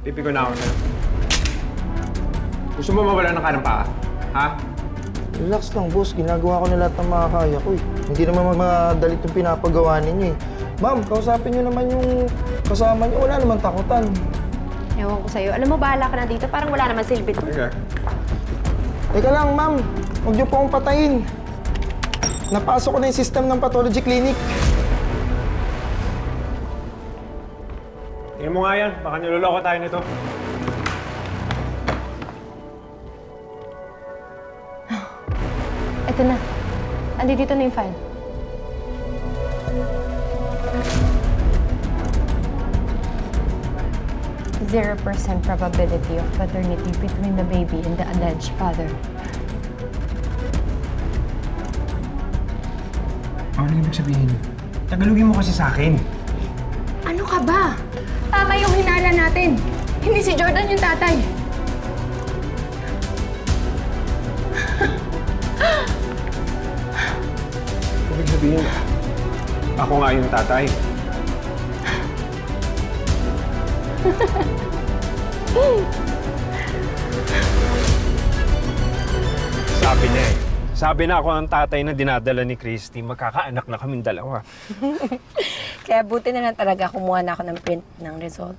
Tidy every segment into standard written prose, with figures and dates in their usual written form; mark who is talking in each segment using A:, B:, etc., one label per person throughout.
A: Pipi ko na ako sa'yo. Gusto mo mawala ng kanang paa? Ha?
B: Relax lang, boss. Ginagawa ko na lahat ng makakaya ko eh. Hindi naman madalit yung pinapagawa ninyo eh. Ma'am, kausapin nyo naman yung kasama nyo. Wala naman takutan.
C: Ewan ko sa'yo. Alam mo, bahala ka na dito. Parang wala naman silbi to.
A: Okay.
B: Teka lang, ma'am. Huwag niyo po akong patayin. Napasok ko na yung system ng pathology clinic.
A: Tingnan mo nga yan. Baka niloloko tayo nito.
C: Ito na. Andito na yung file. Zero % probability of paternity between the baby and the alleged father.
A: Ano ibig sabihin? Tagalogin mo kasi sa akin.
C: Ano ka ba? Tama yung hinala natin. Hindi si Jordan yung tatay.
A: Ibig sabihin, ako nga yung tatay. Sabi niya eh. Sabi na ako ang tatay na dinadala ni Christy. Magkakaanak na kaming dalawa.
D: Kaya buti na lang talaga kumuha na ako ng print ng result.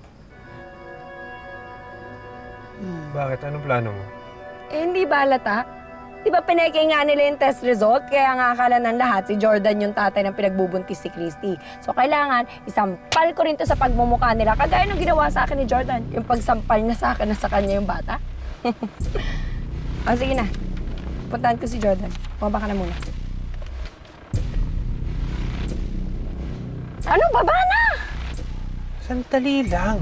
A: Bakit? Anong plano mo?
D: Eh, hindi ba halata? Di ba pineke nga nila yung test result? Kaya nga akala ng lahat si Jordan yung tatay ng pinagbubuntis si Christy. So kailangan isampal ko rin to sa pagmumukha nila. Kagaya nung ginawa sa akin ni Jordan. Yung pagsampal na sa akin na sa kanya yung bata. O sige na. Puntahan ko si Jordan. Bumaba ka na muna. Ano? Baba na!
A: Sandali lang.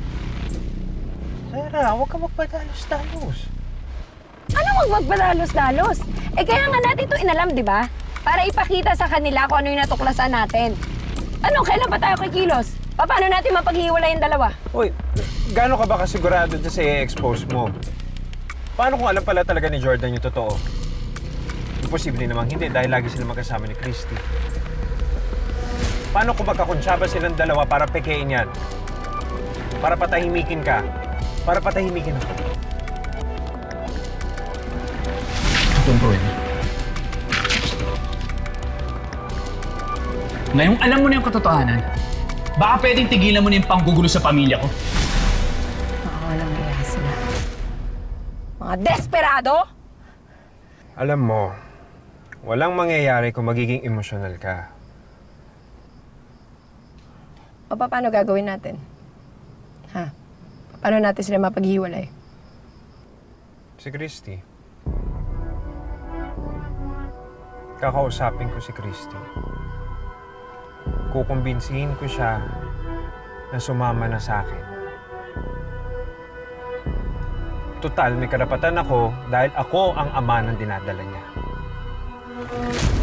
A: Sarah, huwag ka magpadalos-dalos.
D: Ano magpagpadalos-dalos? Eh kaya nga natin ito inalam, di ba? Para ipakita sa kanila kung ano yung natuklasan natin. Ano, kailan pa tayo kikilos? Paano natin mapaghiwalay yung dalawa?
A: Uy, gaano ka ba kasigurado dyan sa i-expose mo? Paano kung alam pala talaga ni Jordan yung totoo? Imposible namang hindi dahil lagi sila magkasama ni Christy. Paano kung magkakonsyaba silang dalawa para pekein yan? Para patahimikin ka? Para patahimikin ako?
E: Don't worry. Ngayong alam mo na yung katotohanan, baka pwedeng tigilan mo na yung panggugulo sa pamilya ko.
D: Mga walang iya sila. Mga desperado!
A: Alam mo, walang mangyayari kung magiging emosyonal ka.
D: O paano gagawin natin? Ha? Paano natin sila mapaghiwalay?
A: Si Christy. Kakausapin ko si Christy. Kukumbinsihin ko siya na sumama na sa akin. Total, may karapatan ako dahil ako ang ama ng dinadala niya.